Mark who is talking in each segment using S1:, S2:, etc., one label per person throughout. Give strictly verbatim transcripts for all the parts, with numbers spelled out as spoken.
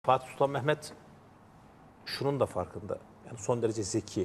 S1: Fatih Sultan Mehmet şunun da farkında. Yani son derece zeki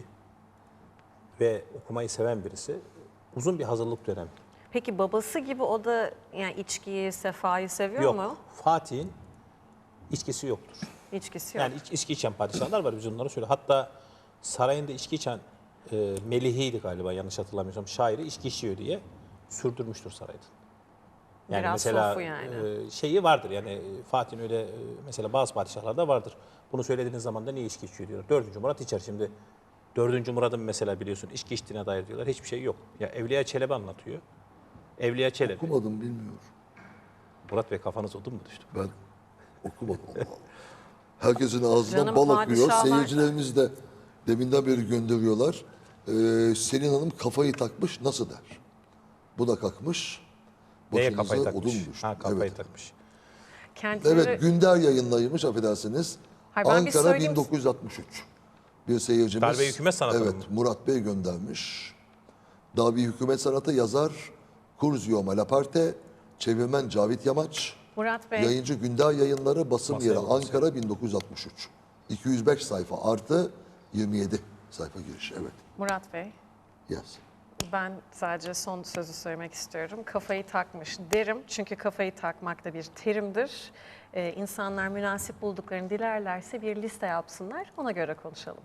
S1: ve okumayı seven birisi. Uzun bir hazırlık dönemi.
S2: Peki babası gibi o da yani içkiyi, sefayı seviyor
S1: Yok.
S2: mu?
S1: Fatih'in içkisi yoktur.
S2: İçkisi yok.
S1: Yani iç, içki içen padişahlar var, biz onları söyle. Hatta sarayında içki içen e, Melihi'ydi galiba, yanlış hatırlamıyorsam, şairi içki içiyor diye sürdürmüştür sarayda. Yani
S2: Biraz
S1: mesela
S2: sofu yani.
S1: e, şeyi vardır yani Fatih'in öyle e, mesela bazı padişahlarda vardır. Bunu söylediğiniz zaman da niye içki içiyor diyorlar. Dördüncü Murat içer şimdi. Dördüncü Murat'ın mesela biliyorsun içki içtiğine dair diyorlar. Hiçbir şey yok. Ya Evliya Çelebi anlatıyor. Evliya Çelebi.
S3: Okumadım, bilmiyorum.
S1: Murat Bey, kafanız odun mu düştü?
S3: Ben okumadım. Allah Allah. Herkesin ağzından
S2: Canım,
S3: bal akıyor.
S2: padişahlar-
S3: Seyircilerimiz de deminden beri gönderiyorlar. Ee, Selin Hanım kafayı takmış, nasıl der? Bu da kalkmış.
S1: Neye
S3: Başınıza
S1: kafayı takmış?
S3: odun düştü.
S1: Ha, kafayı
S3: Evet.
S1: takmış.
S2: Kendileri...
S3: Evet, Günder yayınlaymış, affedersiniz.
S2: Hayır, ben bir
S3: Ankara
S2: söyleyeyim.
S3: bin dokuz yüz altmış üç. Bir seyircimiz.
S1: Darbe hükümet sanatı
S3: Evet,
S1: mı?
S3: Murat Bey göndermiş. Darbe hükümet sanatı yazar Curzio Malaparte, çevirmen Cavit Yamaç,
S2: Murat Bey,
S3: yayıncı Günder Yayınları, basım
S1: Masaya
S3: yeri
S1: vurdu
S3: Ankara bin dokuz yüz altmış üç. iki yüz beş sayfa artı yirmi yedi sayfa giriş. Evet.
S2: Murat Bey,
S3: Yes.
S2: ben sadece son sözü söylemek istiyorum. Kafayı takmış derim çünkü kafayı takmak da bir terimdir. Ee, insanlar münasip bulduklarını dilerlerse bir liste yapsınlar, ona göre konuşalım.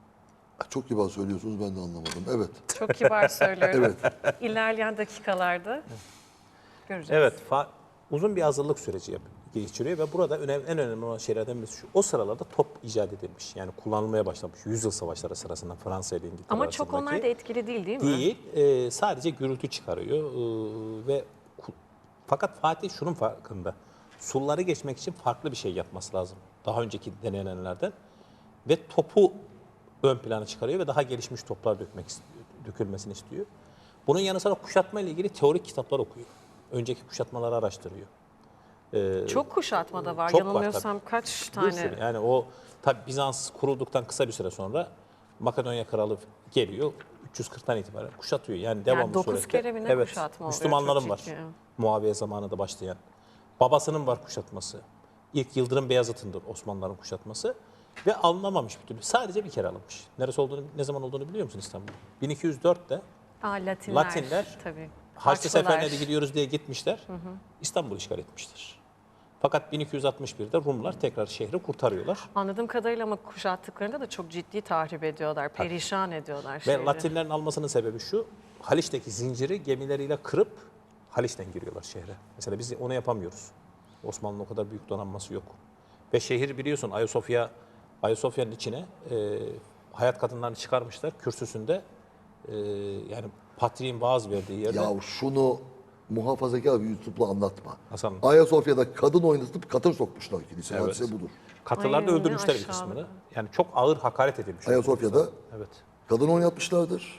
S3: Çok kibar söylüyorsunuz, ben de anlamadım. Evet.
S2: Çok kibar söylüyorum. İlerleyen dakikalarda göreceğiz.
S1: Evet, fa- uzun bir hazırlık süreci yap- geçiriyor ve burada önemli, en önemli olan şeylerden birisi şu. O sıralarda top icat edilmiş. Yani kullanılmaya başlamış. Yüzyıl savaşları sırasında Fransa ile İngiltere
S2: Ama çok
S1: arasındaki.
S2: onlar da etkili değil değil mi?
S1: Değil, e, sadece gürültü çıkarıyor e, ve ku- fakat Fatih şunun farkında. Sulları geçmek için farklı bir şey yapması lazım. Daha önceki denenenlerden ve topu ön plana çıkarıyor ve daha gelişmiş toplar dökmek istiyor, dökülmesini istiyor. Bunun yanı sıra kuşatma ile ilgili teorik kitaplar okuyor. Önceki kuşatmaları araştırıyor.
S2: Çok kuşatma da var.
S1: Çok var
S2: Yanılmıyorsam kaç
S1: Bir
S2: tane?
S1: sürü. Yani o tabi Bizans kurulduktan kısa bir süre sonra Makedonya kralı geliyor. üç yüz kırktan itibaren kuşatıyor. Yani devamlı
S2: dokuz
S1: surette.
S2: kere mi ne
S1: evet,
S2: kuşatma oluyor?
S1: Müslümanların
S2: Çok
S1: var.
S2: ciddi.
S1: Muaviye zamanında başlayan. Babasının var kuşatması. İlk Yıldırım Beyazıt'ındır Osmanlıların kuşatması. Ve alınamamış bir türlü. Sadece bir kere alınmış. Neresi olduğunu, ne zaman olduğunu biliyor musun İstanbul? bin iki yüz dörtte
S2: Aa, Latinler.
S1: Latinler
S2: tabii.
S1: Haçlı
S2: Haçlılar.
S1: Seferine de gidiyoruz diye gitmişler. İstanbul'u işgal etmiştir. Fakat bin iki yüz altmış birde Rumlar tekrar şehri kurtarıyorlar.
S2: Anladığım kadarıyla ama kuşattıklarında da çok ciddi tahrip ediyorlar, perişan ediyorlar
S1: Ve
S2: şehri.
S1: Latinlerin almasının sebebi şu, Haliç'teki zinciri gemileriyle kırıp Haliç'ten giriyorlar şehre. Mesela biz onu yapamıyoruz. Osmanlı'nın o kadar büyük donanması yok. Ve şehir biliyorsun Ayasofya, Ayasofya'nın içine e, hayat kadınlarını çıkarmışlar kürsüsünde. E, yani patriğin vaaz verdiği yerde.
S3: Ya şunu muhafazakar bir YouTube'la anlatma.
S1: Hasan.
S3: Ayasofya'da kadın oynatıp katır sokmuşlar kiliseye.
S1: Evet.
S3: Hadise budur.
S1: Katırlarda
S2: Ay, ne
S1: öldürmüşler bir
S2: aşağılık.
S1: kısmını. Yani çok ağır hakaret edilmiş.
S3: Ayasofya'da
S1: Evet.
S3: kadın oynatmışlardır.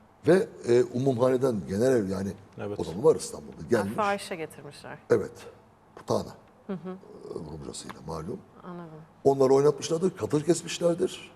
S3: Ve e, umumhaneden genel ev, yani
S1: Evet.
S3: o zaman var İstanbul'da, gelmiş.
S2: Fahişe getirmişler.
S3: Evet. Putana. Hı hı. Rumcasıyla malum.
S2: Anladım.
S3: Onları oynatmışlardır, katır kesmişlerdir.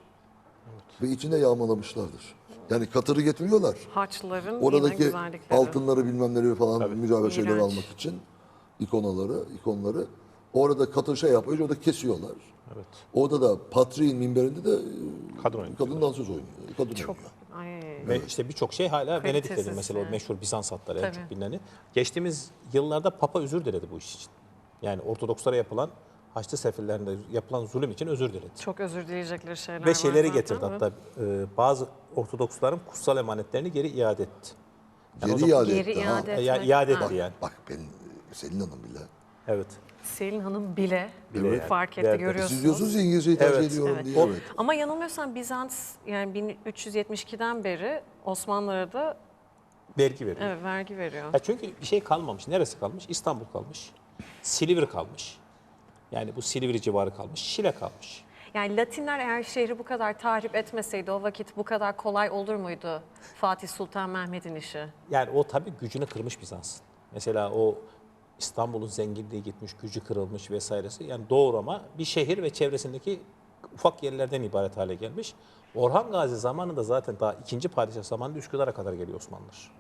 S3: Ve içinde yağmalamışlardır. Yani katırı getiriyorlar.
S2: Haçlıların yine
S3: Oradaki
S2: güzellikleri.
S3: altınları bilmemleri falan mücadele şeyleri
S2: İğrenç.
S3: almak için ikonaları, ikonları orada katır şey yapıyor, orada kesiyorlar.
S1: Evet.
S3: Orada da Patriğin minberinde de
S1: Kadın
S3: kadın,
S1: oynuyor.
S3: kadın dansöz oynuyor. Kadın
S2: Çok,
S3: oynuyor.
S2: ay,
S1: Ve işte birçok şey hala
S2: Kalitesiz
S1: Venedik'tedir. Mesela
S2: yani.
S1: o meşhur Bizans hatları en
S2: Tabii.
S1: çok bilineni. Geçtiğimiz yıllarda Papa özür diledi bu iş için. Yani Ortodokslara yapılan Haçlı Sefirlerinde yapılan zulüm için özür diledi.
S2: çok özür dileyecekleri şeyler
S1: Ve
S2: var
S1: şeyleri
S2: zaten,
S1: getirdi
S2: evet.
S1: hatta e, bazı Ortodoksların kutsal emanetlerini geri iade etti. Yani o
S3: Geri
S1: zaman-
S3: iade
S2: Geri
S3: etti. ha.
S2: iade
S1: E, ya-
S2: etmek.
S1: iade
S2: Ha.
S1: etti yani.
S3: Bak ben Selin Hanım bile.
S1: Evet.
S2: Selin Hanım bile,
S1: Bile yani.
S2: fark etti,
S1: Değerli.
S2: görüyorsunuz.
S3: Siz diyorsunuz ya İngilizceyi tercih
S1: Evet.
S3: ediyorum
S2: Evet.
S3: diye.
S1: O-
S3: Evet.
S2: Ama yanılmıyorsam Bizans yani bin üç yüz yetmiş ikiden beri Osmanlılara da
S1: Vergi veriyor.
S2: evet, vergi veriyor.
S1: Ya çünkü bir şey kalmamış. Neresi kalmış? İstanbul kalmış. Silivri kalmış. Yani bu Silivri civarı kalmış. Şile kalmış.
S2: Yani Latinler eğer şehri bu kadar tahrip etmeseydi o vakit bu kadar kolay olur muydu Fatih Sultan Mehmet'in işi?
S1: Yani o tabii gücünü kırmış Bizans. Mesela o İstanbul'un zenginliği gitmiş, gücü kırılmış vesairesi. Yani doğrama bir şehir ve çevresindeki ufak yerlerden ibaret hale gelmiş. Orhan Gazi zamanında zaten daha ikinci padişah zamanında Üsküdar'a kadar geliyor Osmanlılar.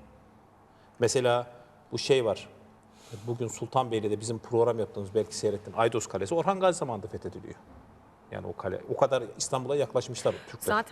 S1: Mesela bu şey var. Bugün Sultanbeyli'de bizim program yaptığımız belki seyrettin. Aydos Kalesi Orhan Gazi zamanında fethediliyor. Yani o kale o kadar İstanbul'a yaklaşmışlar Türkler.
S2: Zaten